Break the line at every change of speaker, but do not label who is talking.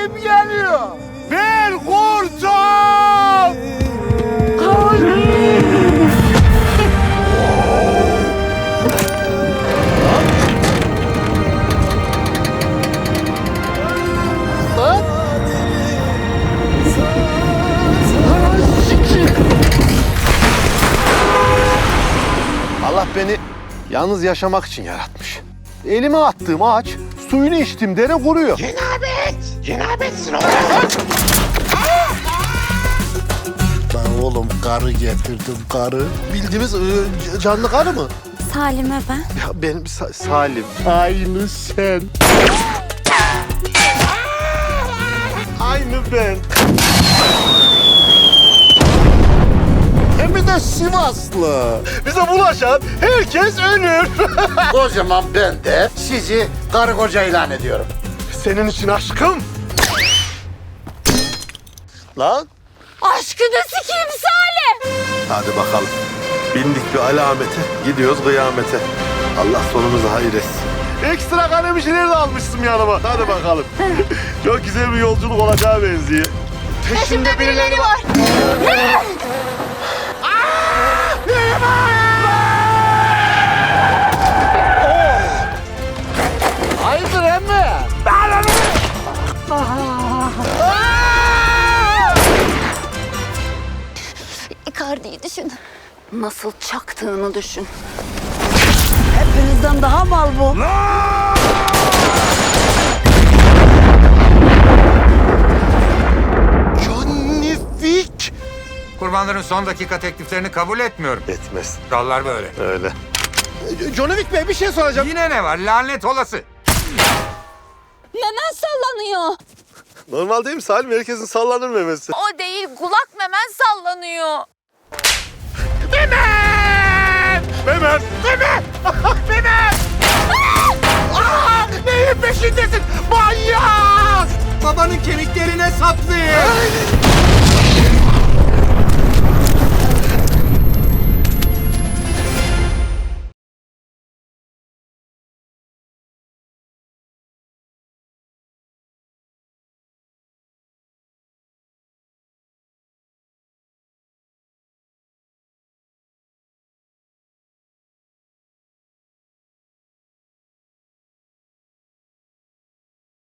kim geliyor? Bir kurtum! Allah beni yalnız yaşamak için yaratmış. Elime attığım ağaç, suyunu içtim dere kuruyor.
Cenabetsin oğlum.
Ben oğlum karı getirdim karı. Bildiğimiz canlı karı mı?
Salime ben.
Ya benim Salim. Aynı sen. Aynı ben. Hem de Sivaslı. Bize bulaşan herkes ölür.
O zaman ben de sizi karı koca ilan ediyorum.
Senin için aşkım. Lan.
Aşkını sikeyim Salim.
Hadi bakalım. Bindik bir alamete, gidiyoruz kıyamete. Allah sonumuzu hayır etsin. Ekstra kalem işleri de almıştım yanıma. Hadi bakalım. Çok güzel bir yolculuk olacağı benziyor. Peşimde birileri var. Hayırdır emmi?
Icardi'yi düşün. Nasıl çaktığını düşün. Hepinizden daha mal bu.
Johnny Wick.
Kurbanların son dakika tekliflerini kabul etmiyorum.
Etmez.
Kurallar böyle.
Öyle. Johnny Wick Bey bir şey soracağım.
Yine ne var? Lanet olası.
Memen sallanıyor.
Normal değil mi Salim? Herkesin sallanır memesi.
O değil, kulak memen sallanıyor.
Memen! Memen! Memen! Neyin peşindesin? Manyak!
Babanın kemiklerine saplayın.